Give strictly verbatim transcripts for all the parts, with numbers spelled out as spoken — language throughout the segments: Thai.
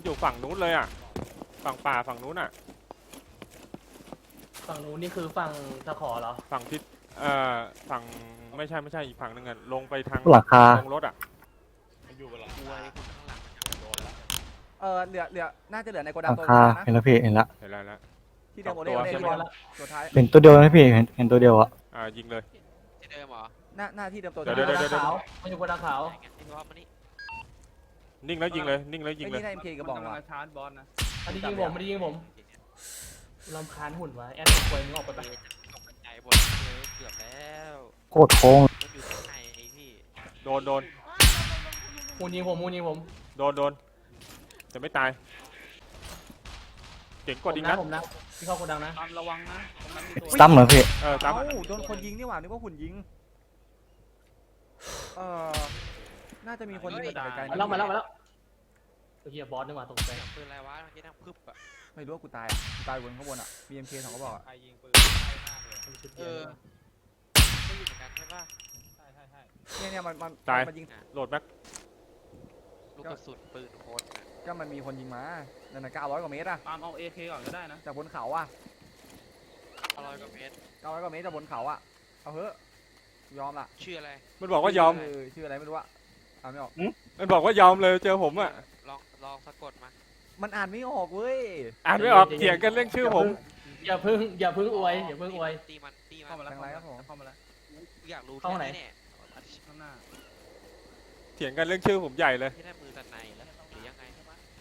อยู่ฝั่งนู้นเลยอ่ะฝั่งป่าฝั่งนู้นอ่ะฝั่งนู้นนี่คือฝั่งตะขอเหรอฝั่งทิศเอ่อฝั่งไม่ใช่ไม่ใช่อีกฝั่งหนึ่งอ่ะลงไปทางหลังคาลงรถอ่ะอยู่กับหลังคาข้างหลังโดนแล้วเออเหลือเหลือน่าจะเหลือในโกหดังลังตัวคานึงนะเห็นแล้วพี่เห็นละเห็นแล้วแล้วที่เดิมโอเล่สโอองตัวเล่เรียบร้อยแล้วตัวท้ายเห็นตัวเดียวนะพี่เห็นเห็นตัวเดียวอะอ่ายิงเลยที่เดิมเหรอหน้าหน้าที่เดิมตัวเดี๋ยวท้าเดี๋ยวเดี๋ยวขาวมันอยู่บนดาวขาวไอ้รอบมานี่นิ่งแล้วยิงเลยนิ่งแล้วยิงไอ้เลยนี่ได้เอ็มเคกระบอกมันว่ะกำลังชาร์จบอสนะอันนี้ยิงผมไม่ได้ยิงผมลำคาญหุ่นวะแอดควยมึงออกไปปะตกใจหมดเลยเกือบแล้วโคตรโค้งมันอยู่ข้างในไอ้พี่โดนโดนหุ่นยิงผมหุ่นยิงผมโดนโดนจะไม่ตายเจ๋งกว่าดิงนะนะผมนะที่เข้าโกดังนะตามระวังนะตรงนั้นมีตัวซ้ำเหรอพี่เออตามเอ้าโดนคนยิงนี่หว่านึกว่าหุ่นยิงเออน่าจะมีคนยิงจากไกลๆมาแล้วมาแล้วมาแล้วตัวเฮียบอสนี่หว่าตกใจเสียงปืนอะไรวะเมื่อกี้นั่งพึบอะไม่รู้ว่ากูตายอ่ะกูตายบนข้างบนอ่ะมีเอ็มเคสองกระบอกอ่ะใครยิงปืนใกล้มากเลยเออไม่อยู่เหมือนกันใช่ป่ะใช่ใช่ใช่เนี่ยเนี่ยมันมันมันยิงโหลดแม็กลูกกระสุนปืนโคตรนะก็มันมีคนยิงมานั่นน่ะเก้าร้อยกว่าเมตรอ่ะตามเอาเอเคก่อนก็ได้นะจากบนเขาอ่ะอร่อยกว่าเมตรเก้าร้อยกว่าเมตรจากบนเขาอ่ะเอาเถอะยอมละชื่ออะไรมันบอกว่ายอมเชื่ออะไรไม่รู้อ่ะอ่านไม่ออกมันบอกว่ายอมเลยเจอผมอ่ะลองลองสะกดมามันอ่านไม่ออกเว้ยอ่านไม่ออกเถียงกันเรื่องชื่อผมอย่าพึ่งอย่าพึ่งอวยอย่าพึ่งอวยตีมันตีมัเข้าน มาแล้วเข้ามาแล้วเข้ามาแล้วอยากรู้เข้าไหนแค่เนี่ยข้างหน้าเถียงกันเรื่องชื่อผมใหญ่เลยที่ได้มือตันในแล้วหรือยังไง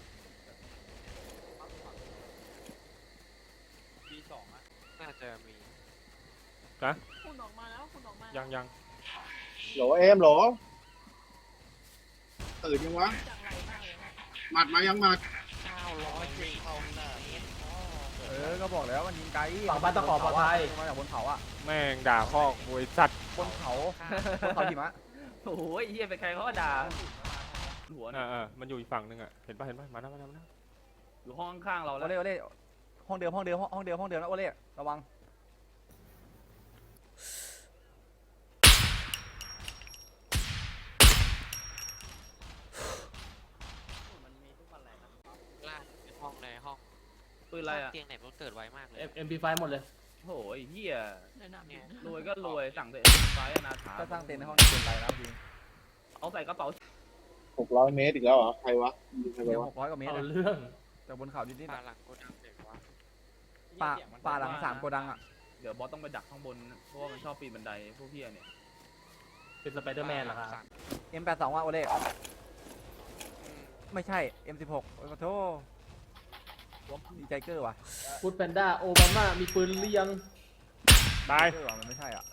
บีสองอ่ะน่าจะมีคุณออกมาแล้วคุณออกมายังยังโหลเอ็มโหลตื่นยังวะจากไรมากเลยนะหมัดมายังหมัดเก้าร้อยสี่เข้าหน้าเมตรเออก็บอกแล้วมันยิงไกลฝั่งบ้านตะขอปลอดภัยมาจากบนเขาอ่ะแม่งด่าพ่อโวยสัตว์บนเขาบนเขาหิมะโอ้โหเฮียเป็นใครเขาก็ด่าหัวเอนะอเออมันอยู่อีกฝั่งหนึงอ่ะเห็นป่ะเห็นป่ะมาแล้วมาแล้วมาแล้วอยู่ห้องข้างๆเราโอแล้วเล่โอเล่ห้องเดิมห้องเดิมห้องเดิมห้องเดิมนะโอเล่ระวังล่างในห้องในห้องปืนอะไรอ่ะเตียงไหนมันเกิดไวมากเลยเอ็มพีไฟหมดเลยโอ้โหเฮียแนะนำเนี่ยรวยก็รวยสั่งแต่เอ็มไฟอนาถาก็สร้างเต็นท์ในห้องนี้เกินไปแล้วจริงเอาใส่กระเป๋าหกร้อยเมตรอีกแล้วเหรอ ใครวะยิงใครเดี๋ยววะหกร้อยกว่าเมตรเอานะเรื่องจากบนเขาดิดนิดป่าหลังโกดังเด็กวะป่าป่าหลังสามโกดังอ่ะเดี๋ยวบอสต้องไปดักข้างบนเพราะว่ามันชอบปีนบันไดพวกเฮียเนี่ยเป็นสไปเดอร์แมนเหรอครับเอ็มแปดสองว่ะโอเล่ไม่ใช่เอ็มสิบหกโอ้โหดีใจเกอร์ว่ะฟูดแพนด้าโอบามามีปืนหรือยังตายเกอร์ว่ะมันไม่ใช่อ่ะ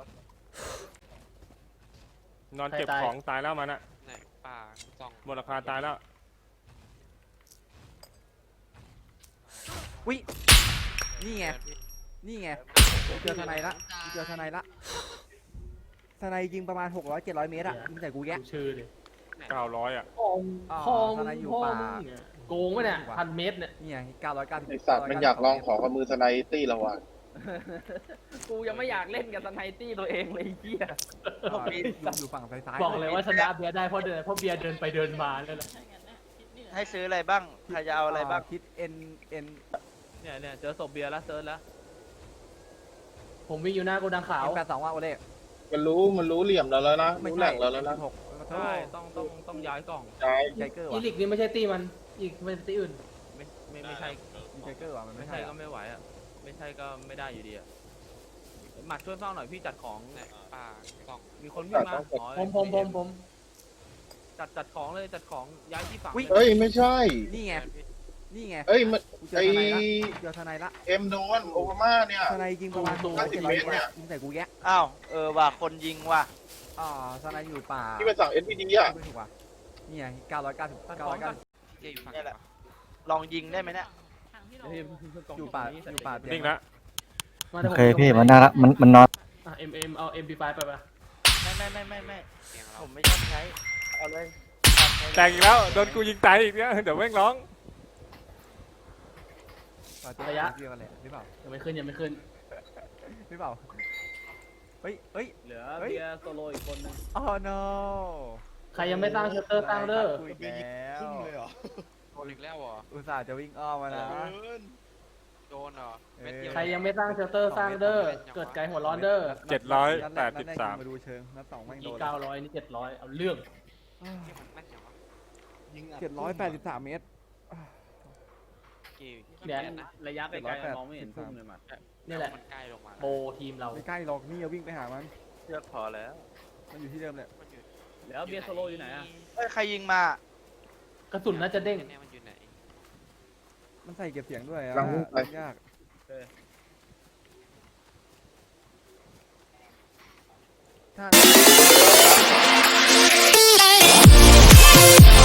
นอนเก็บของตายแล้วมันอ่ะไหนป่าสองหมดราคาตายแล้วนี่ไงนี่ไงเจอทนายละเจอทนายละทนายยิงประมาณหกร้อยเจ็ดร้อยเมตรอ่ะยิงใส่กูแยะดูชื่อดิเก้าร้อยอ่ะพ่อมอ๋อพ่อมทนายอยู่พ่อป่ามึงเนี่ยโกงวะเนี่ยพันเมตรเนี่ยนี่ไงเก้าร้อยเก้าสิบไอสัตว์มันอยากลองขอกับมือสไนตี้เราว่ะกูยังไม่อยากเล่นกับสไนตี้ตัวเองเลยเฮียอยู่ฝั่งซ้ายๆบอกเลยว่าชนะเบียร์ได้เพราะเดินเพราะเบียร์เดินไปเดินมาเนี่ยแหละใช่งั้นนะคิดนี่แหละให้ซื้ออะไรบ้าง ใครจะเอาอะไรบ้างคิดเอ็นเอ็นเนี่ยเนี่ยเจอศพเบียร์แล้วเซิร์ชแล้วผมวิ่งอยู่หน้าโกดังขาวเอ็นแปดสองว่ะโอเล่มันรู้มันรู้เหลี่ยมเราแล้วนะไม่รู้แหใช่ล่งเราแล้วนะหกใช่ต้องต้องต้องย้ายกล่องใช่ดีใจเกอร์อีว่ะลิกนี่ไม่ใช่ตีมันอีกเป็นตีอื่นไม่ไม่ไม่ใช่ดีใจเกอร์ว่ะมันไม่ไม่ใช่ใช่ก็อะไม่ไหวอ่ะไม่ใช่ก็ไม่ได้อยู่ดีอ่ะหมัดช่วยเฝ้าหน่อยพี่จัดของไหนป่าสองมีคนวิ่งมาอ๋อผมผมผมผมจัดจัดของเลยจัดของย้ายที่ฝั่งเอ้ยไม่ใช่นี่ไงนี่ไงเอ้ยมันกูเจอไอทนายละเจอทนายละเอ็มโดนโอมาม่าเนี่ยทนายยิงประมาณหกร้อยเจ็ดร้อยเมตรอะยิงใส่กูแยะอ้าว เออว่ะคนยิงว่ะอ่าทนายอยู่ป่าที่ไปสั่ง เอส พี ดี อ่ะไม่ถูกว่ะนี่ไงเก้าร้อยเก้าสิบจัดเก้าขอร้อง ยกัเก้าน สิบเจ๊อยู่ฝั่งเนี่ยไหแหนละวะลองยิงได้ไหมเนี่ยทางที่เราเดี๋ยวพี่กล่องอยู่ป่านี้อยู่ป่าเตียนิ่งงละมาโอดี๋ยวผมเคพี่มันน่ารักมันมันนอนอ่ะเอ็มเอ็มเอาเอ็มพีไฟไปปะไม่ไม่ไม่ไม่ไม่เตียงเราผมไม่ชอบใช้ เอาเลยแตกอีกแล้วโดนกูยิงตายอีกเนี่ยเดี๋ยวแม่งร้องป่าเตียงเดียวกันแหละหรือเปล่ายังไม่ขึ้นยังไม่ขึ้นหรือเปล่าเฮ้ยเฮ้ยเหลือเบียร์โซโลอีกคนนึงอ๋อ no ใครยังไม่สร้างเชลเตอร์สร้างเด้อคุยแล้วพนอีกแล้วเหรออุตส่าห์จะวิ่งอ้อมมานะโดนเหรอเม็ดเดียวใครยังไม่สร้างเชลเตอร์สร้างเด้อเกิดใจหัวร้อนเด้อเจ็ดร้อยนัดแปรดกนัสิบแรกสามยิงมาดูเชิงนัดสองแม่งโดนี่นเก้าร้อยนี่เจ็ดร้อยเอาเรื่องที่มันแม่นอย่างวะยิงอัดเจ็ดร้อยแปดสิบสามเมตรกี่เนี่ยนะระยะไกลเจ็ดร้อยแปดๆมองไม่เห็นพุ่งเลยหมัดนี่แหละมันใกล้ลงมาโบทีมเราไม่ใกล้หรอกนี่เอาวิ่งไปหามันเชือกพอแล้วมันอยู่ที่เดิมแหละมันอยู่แล้วเบียร์โซโลอยู่ไหนอะเฮ้ยใครยิงมากระสุนน่าจะเด้งเนี่ยมันอยู่ไหนมันใส่เก็บเสียงด้วยอ่ะกำลังวิ่งไปยากถ้า